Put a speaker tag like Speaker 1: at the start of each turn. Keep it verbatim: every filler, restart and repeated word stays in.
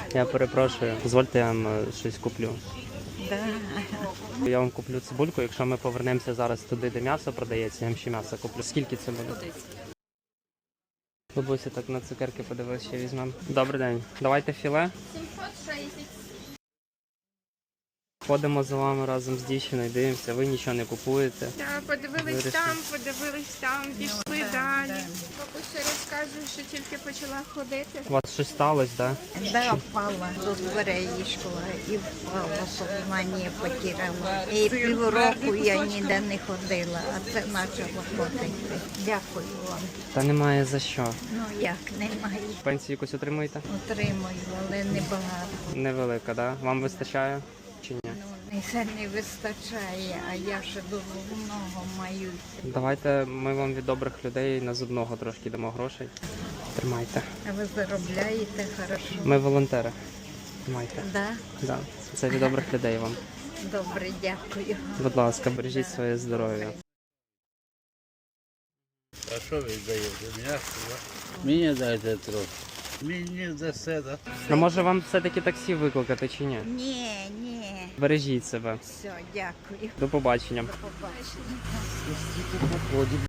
Speaker 1: Я перепрошую, дозвольте я вам е, щось куплю.
Speaker 2: Да.
Speaker 1: Я вам куплю цибульку, якщо ми повернемося зараз туди, де м'ясо продається, я вам ще м'ясо куплю. Скільки це буде? Бабуся так на цукерки подивилися, ще візьмемо. Добрий день. Давайте філе.
Speaker 3: сімсот шістдесят.
Speaker 1: Ходимо за вами разом з дівчиною, дивимося, ви нічого не купуєте.
Speaker 3: Так, подивились
Speaker 1: Вирішили.
Speaker 3: там, подивились там, пішли далі. Бабуся розказує, що тільки почала ходити.
Speaker 1: У вас щось сталося, так?
Speaker 2: Да, впала до дверей йшла і впала, сознання потеряла. І півроку я ніде не ходила, а це почала ходити. Дякую вам.
Speaker 1: Та немає за що.
Speaker 2: Ну як, немає.
Speaker 1: Пенсію якусь отримуєте?
Speaker 2: Отримую, але не багато.
Speaker 1: Невелика, так? Да? Вам вистачає чи ні?
Speaker 2: Ну, це не вистачає, а я ще до головного маю.
Speaker 1: Давайте ми вам від добрих людей на зубного трошки дамо грошей. Тримайте.
Speaker 2: А ви заробляєте хорошо?
Speaker 1: Ми волонтери. Тримайте.
Speaker 2: Да?
Speaker 1: Да. Це від добрих людей вам.
Speaker 2: Добре, дякую.
Speaker 1: Будь ласка, бережіть своє здоров'я.
Speaker 4: А що ви даєте? М'ясо, да? Мені дайте трохи. Мені дасте, да?
Speaker 1: Ну може вам все-таки таксі викликати чи ні?
Speaker 2: Ні, ні.
Speaker 1: Бережіть себе.
Speaker 2: Все, дякую.
Speaker 1: До побачення.
Speaker 2: До побачення.